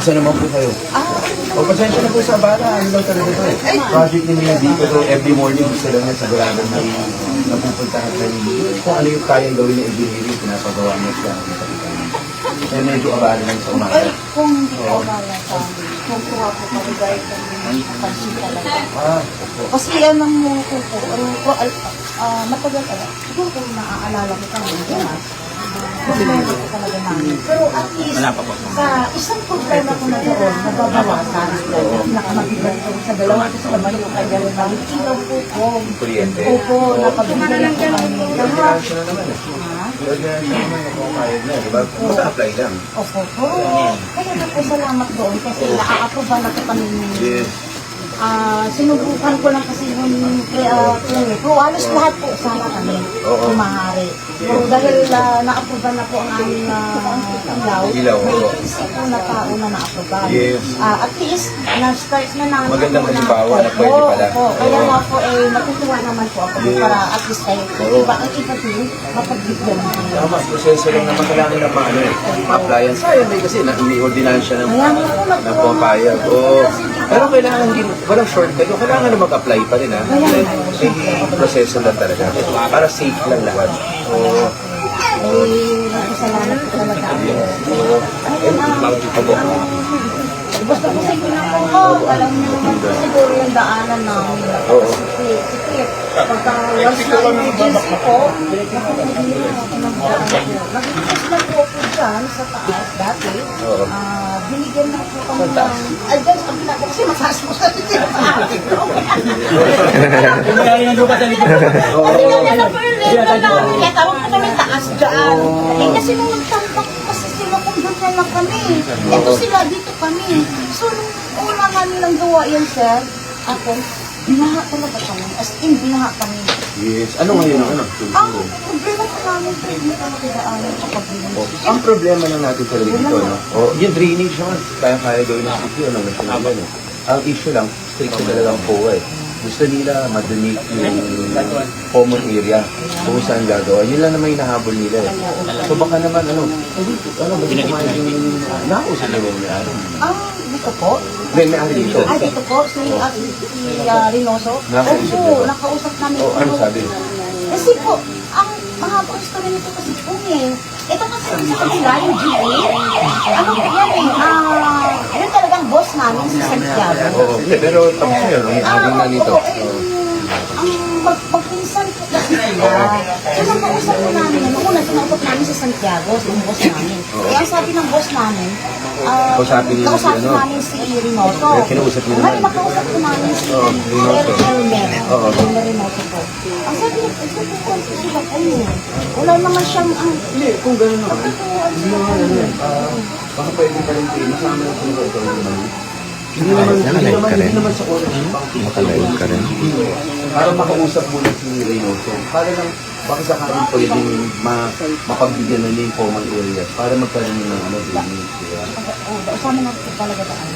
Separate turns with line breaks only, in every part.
Asa naman po kayo? O, pasensya na po sa abala. Ano lang talaga ito eh. Project ni Mia D, pero every morning gusto lang niya sigurado na napupuntahan na kung ano yung kayang gawin ng engineering, pinapagawa niya siya ng kapitan. Kaya medyo abala lang sa umaga.
Ay, kung hindi ko abala sa amin, kung kuha ko pa rin dahil kami pansin talaga. Kasi yan ang matagal talaga. Siguro kung naaalala ko kami, problema ko talaga namin. Pero at least, sa isang problema ko na doon, nababawasan. Nakamabigat ko sa dalawa ko sa naman yung kanya rin namin. Ilaw po ko.
Kuryente.
Opo, nakabigyan ko kami. Lahat.
Siya na naman eh. Siya naman ako kaya na, di ba? Basta-apply lang.
Opo, kaya na po salamat doon kasi nakaka-aproba na ko kami.
Yes.
Sinubukan ko lang kasi yung clinic. Pero halos lahat po sana kami kumahari. Pero dahil na-aproba na po ang aming ilaw, may isa po na tao na na-aproba.
Yes.
At least, na-start na namin.
Magandang halimbawa na pwede pala.
Kaya nga po, natutuwa naman po ako para at least kayo. Iba ang iba din, mapagbigyan mo.
Tama, proseso lang naman kailangan na paano eh. Appliance. Sayang eh kasi hindi-ordinansya ng pumapayag. Pero kailangan din, walang shortcut. Kailangan na mag-apply pa rin ha. May proseso lang talaga. Para safe lang lahat.
Salamat po talaga. Basta po siguro na po, alam niyo naman po siguro yung daanan namin. Sikip. Pagka once na emergency po, nag-ipas na po po dyan sa taas dati. Binigyan na po kami ng... Ay, dyan sa kabila ko kasi mataas po sa sikip.
Mayari ng lupa sa likod.
Kasi ganyan na po yung level namin. Kaya tawag po kami taas dyan. Eh kasi nung nagtampak kasi sila kung doon na kami. Ito sila, dito kami. So, nung una nga nilang gawa yan, sir, ako, binaha talaga kami. As in, binaha kami.
Yes. Ano ngayon ang ano?
Ang problema ko namin, hindi kami kidaanan kapag binigyan.
Ang problema lang natin talaga dito, no? Yung drainage naman, kaya gawin ng city, ano, national yan, eh. Ang issue lang, strict talaga ang POA, eh. Gusto nila madonate yung common area kung saan gagawa. Yun lang naman yung nahabol nila, eh. So baka naman, ba dito kumain yung nakausap na yung may-ari?
Dito po?
May-ari dito.
Dito po, si Reynoso.
Nakausap niyo ba?
Nakausap namin.
Ano sabi?
Kasi po, ang mahabang story nito kasi po ito kasi sa kanila, yung GA, ano po yan yun talagang boss namin si Santiago.
Oo, pero tapos na yun, ang may-ari na nito.
Ang magpinsan po kasi sila. So, nakausap po namin, nung una, sinausap namin si Santiago, yung boss namin. Kaya ang sabi ng boss namin,
Kausapin
namin si Reynoso.
Kinausap niyo
Ngayon,
naman.
nakausap po namin si Elmer Reynoso po. Ang sabi niya, ito po ang susulat kayo. Wala naman siyang
Hindi, kung gano'n naman, hindi naman ano yan. Baka pwede pa rin kayo, masama yung sinurot naman. Hindi naman sa oras yung
Makalive ka rin.
para makausap muna si Reynoso. Para lang, baka sakaling pwedeng mapagbigyan na niya yung common areas para magkaroon ng drainage.
Usama natin po talaga daan.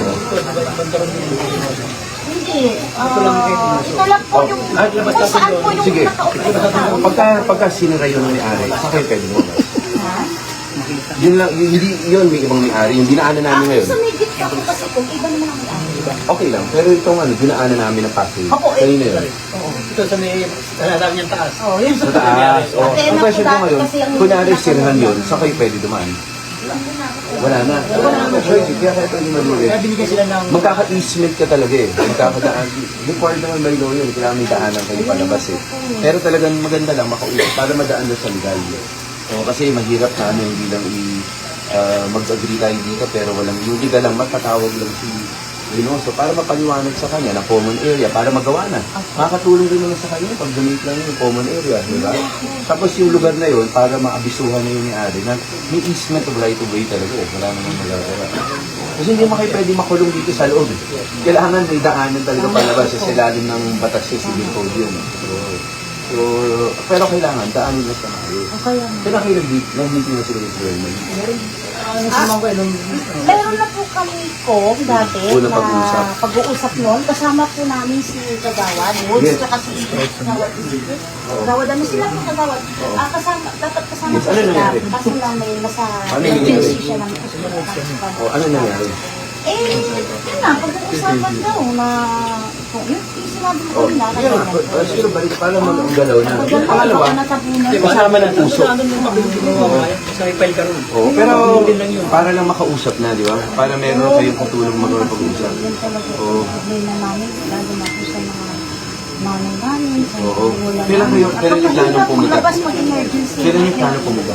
Hindi. Ito lang po yung kung saan po yung
Sige,
nakaupo.
pagka sinira yun ng may-ari, sa kayo pwede mo. Yun lang, hindi yun may ibang may-ari, yung dinaanan namin ngayon.
Sa may gitna po kasi kung iba naman ang may-ari.
Okay lang, pero itong dinaanan namin ng passage.
Opo,
Kanina yun.
Ito sa may talagang niyang taas.
Yun
Sa taas. Ang question ko ngayon, kunyari sirahan yun, sa kayo pwede dumaan? Wala na. Wala na choice, kaya kayo pwede malulit.
Kaya binigyan sila ng...
Magkaka-easement ka talaga eh. Magkakadaan. Required naman by law yun. Kailangan may daanan kayo palabas eh. Pero talagang maganda lang makausap para madaan na sa legal. Kasi mahirap na hindi lang mag-agree tayo dito pero walang yung legal lang matatawag lang si Reynoso para mapaliwanag sa kanya na common area para magawa na. Makakatulong din naman sa kanya pag donate lang yung common area, di ba? Tapos yung lugar na yun para maabisuhan na yung may-ari na may easement of right of way talaga eh. Wala namang magagawa. Kasi hindi mo kayo pwede makulong dito sa loob. Kailangan may daanan talaga palabas sa ilalim ng batas sa civil code yun. So, So, pero kailangan, daanin na sa maayos.
O kaya,
Kailan kayo nag-meeting na sila with Vernon?
Ano sa mga nung
meron na po kami ko dati
Unang
na
pag-uusap.
pag-uusap noon. Kasama po namin si Kagawad, Woods,
Yes.
tsaka si Kagawad. Kagawad, ano sila po Kagawad? Kasama, dapat kasama
Yes,
po
ano
sila.
nangyari?
Kaso lang may nasa
Ano nangyari?
agency siya ng
O, ano nangyari?
yun na, pag-uusapan daw na kung yun, sinabi ko
O,
na
yun nga. Siguro balik, para mag-galaw na. Yung pangalawa,
Di ba
kasama ng puso.
Ano nung mabilis mo sa file ka ron?
Oo, pero
din lang yun.
para lang makausap na, di ba? Para meron kayong katulong mag-pag-usap.
Yun talaga
Oo.
yung problema namin, lalo na po sa mga nanay namin, sa mga
Oo.
wala
Kailan kayo-
namin.
kailan yung plano
Kapag
pumunta?
maglabas mag-emergency.
Kailan yung plano pumunta?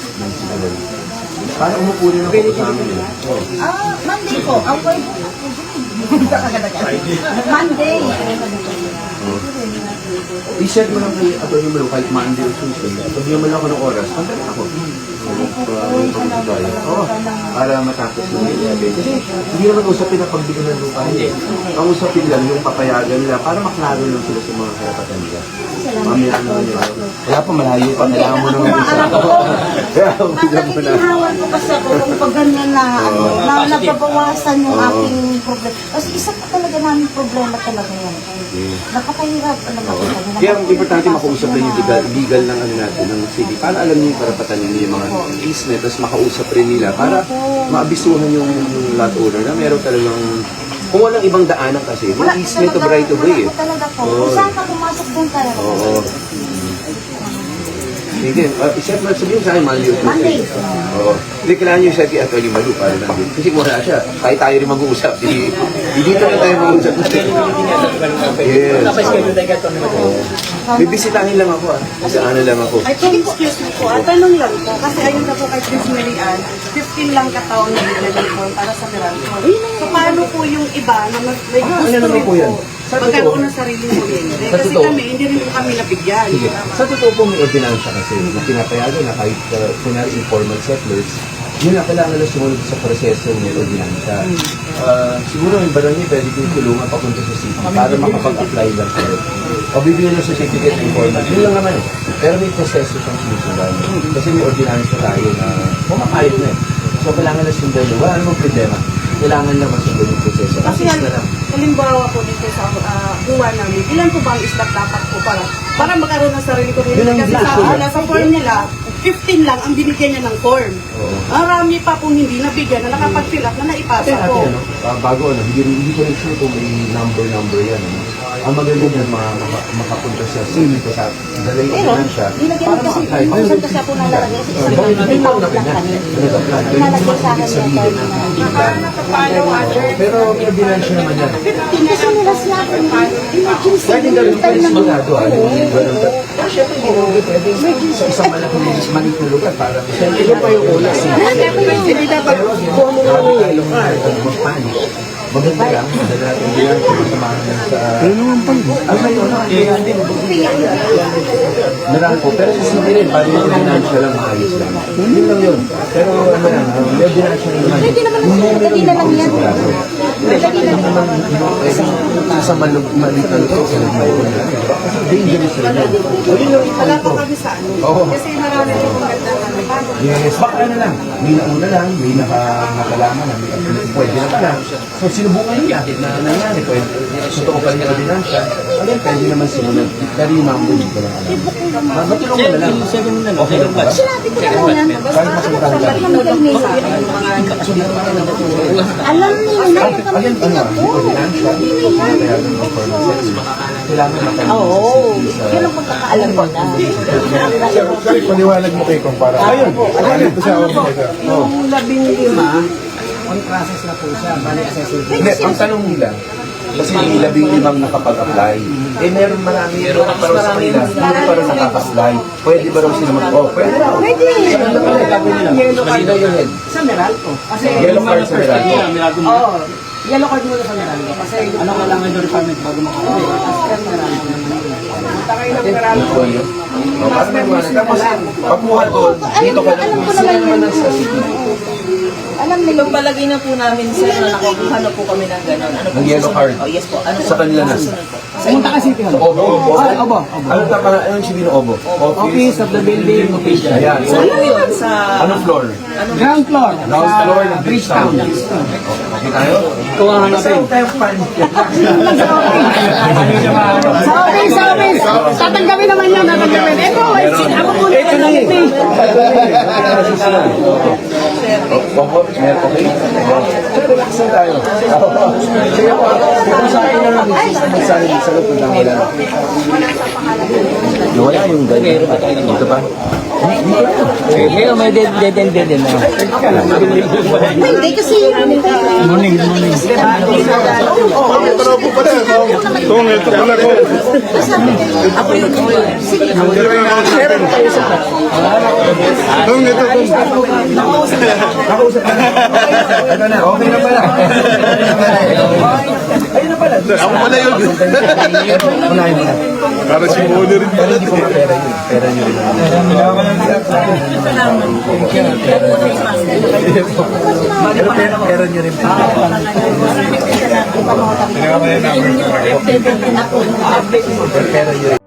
Para umupo rin ako sa amin.
Monday po. Okay po. Monday.
I-set mo lang kay Atty. Malo kahit Monday or Tuesday. Sabihan mo lang ako ng oras. Pagdating ako. Oo. Para matapos mo. Kasi hindi naman usapin na pagbigyan ng lupa. Hindi. Ang usapin lang yung papayagan nila para maklaro lang sila sa mga karapatan nila. Mamaya ano nila. Wala pa, malayo pa. Kailangan mo naman isa. Kaya bigyan mo na.
Nakikihawan ko kasi ako kung pag ganyan na, na nababawasan yung aking problema. Kasi isa pa talaga namin problema talaga yan. Napakahirap talaga.
Kaya ang importante makausap rin yung legal ng ano natin, ng city. Para alam niyo yung karapatan ninyo yung mga easement, tapos makausap rin nila para maabisuhan yung lot owner na meron talagang, kung walang ibang daanan kasi, may easement of right of way eh.
Wala talaga po.
Oo.
Kung saan ka pumasok doon talaga.
Oo. Sige, i-set mo, sabihin sa akin, Monday or Tuesday.
Monday.
Oo. Hindi, kailangan nyo i-set kay Atty. Malu para lang din. Kasi wala siya. Kahit tayo rin mag-uusap. Di dito na tayo mag-uusap. Yes.
Napa-schedule tayo ka ito.
Bibisitahin lang ako ah. Kasi ano lang ako.
Ay, excuse me po. Tanong lang po. Kasi ayun na po kay Chris Marian, 15 lang kataon na nilalaman para sa Meralco. So, paano po yung iba na may gusto
Ano naman
rin
po yan? Sa
magkaroon
totoo.
ng sariling kuryente?
Sa
Kasi
totoo.
kami, hindi rin po kami nabigyan.
Sige. Sa totoo po may ordinansya kasi na pinapayagan na kahit kunyari informal settlers, yun na kailangan na sumunod sa proseso ng ordinansya. Siguro yung barangay pwede kong tulungan papunta sa city para makapag-apply lang kayo. O bibigyan ng certificate ng informal. Yun lang naman eh. Pero may proseso siyang sinusundan. Kasi may ordinansya tayo na pumapayag na eh. So kailangan na sundan yun. Wala namang problema. Kailangan lang masundan yung proseso.
Kasi
Assist na lang.
halimbawa po dito sa buwa namin, ilan po ba ang istak dapat po para magkaroon ng sarili kuryente?
Yun ang
Kasi
gusto
sa,
niya.
sa form nila, 15 lang ang binigyan niya ng form.
Oo.
Marami pa pong hindi nabigyan na nakapag-fill up na naipasa
Ate,
po.
ano, bago ano, hindi ko rin sure kung may number yan. Ano. Ang maganda niyan, makapunta sa city ko sa dalay ko
Pero,
lang siya.
nilagyan ko kasi, kung kasi ako nalalagay, kasi isang
Bakit hindi lang namin
lang
yan?
kami.
Nalagay
Nalagay sa akin yung attorney na,
pero may ordinansya naman yan.
kasi nila sinabi, emergency,
Pwede na rin
tayo
pwede
ng
sigurado. Pero syempre, hindi mo pwede sa isang malaking maliit na lugar para ito pa yung una.
Hindi dapat
Kuha mo nga ng yellow card. Magpanik. Maganda lang. Madala natin yan. Samahan lang sa... Ano naman pa? Marami po. Pero sa city rin, para yung ordinansya lang maayos lang. Yun lang yun. Pero ano lang, may ordinansya lang naman.
Pwede naman kanina lang yan.
Sa maliit na lugar, sa dangerous rin yan. O yun lang
wala
yung
pa
point ko.
kami sa ano.
Oo.
Kasi marami pong maganda na paano.
Yes, baka ano lang, may nauna lang, may nakalaman na, pwede na pala. So sinubukan yung yakit na nangyari, pwede, totoo pa rin yung ordinansya, again, pwede naman sinunan, pero yung number dito lang alam. Matulong mo na lang. Okay lang ba?
Sinabi ko naman yan.
Kahit masuntahan ka.
Namigay sa akin. Alam nila na yung kami
Again, ano, may ordinansya, kaya yung informal sex, kailangan makalimit
Oo,
sa
yun ang pagkakaalam ko na.
Sorry, paliwanag mo kay Kumpara. Ayun, ito siya.
Yung 15, on process na po siya. Bali assessment.
Hindi, ang tanong nila, kasi may 15 nakapag-apply. Eh, meron marami pero sa kanila, hindi pa rin nakaka-apply. Pwede ba raw sila pwede raw.
Pwede.
Ano pala yung gagawin nila? Malinaw yung head.
Sa Meralco. Kasi
Yellow card sa Meralco.
Oo. Yellow card muna sa Meralco. Kasi ano kailangan yung requirement bago makakawin. As per Meralco naman yun. Punta kayo ng Meralco.
Parang may mga. Tapos, pagkuha doon, dito ka
Alam ko
sila
naman
naman
yan.
ang sa city.
Alam nila.
Ibang palagay na po namin, sir, na nakakuha na po kami ng gano'n. Ano po
Ng yellow card.
Oh, yes po. Ano
Sa kanila na.
susunod po? Sa
Pumunta ka City Hall.
Obo.
Ay, obo.
Ano ta para anong sabihin ng Obo?
Office of the building official.
Ayan.
So, ano yun? Sa...
Anong floor?
Ground floor.
Ground
sa
floor ng
Bridgetown.
Okay tayo?
Kuha na natin. Sa office. Tatanggapin naman yan. Tatanggapin. Ito, ako muna. Ito na yun.
Opo, meron okay? Relax lang tayo. Sige po. Kung sa akin na lang, magsasabi sa loob na wala na. Nawala yung ganyan. Dito ba?
Ngayon, may dead na.
Hindi kasi
Morning.
Ito na, okay na pala. Ayun na pala.
Ako pala yun.
Unahin mo na.
Para si Mona rin
Pero hindi ko pera yun. Pera nyo rin. Pera nyo rin. Pera nyo rin.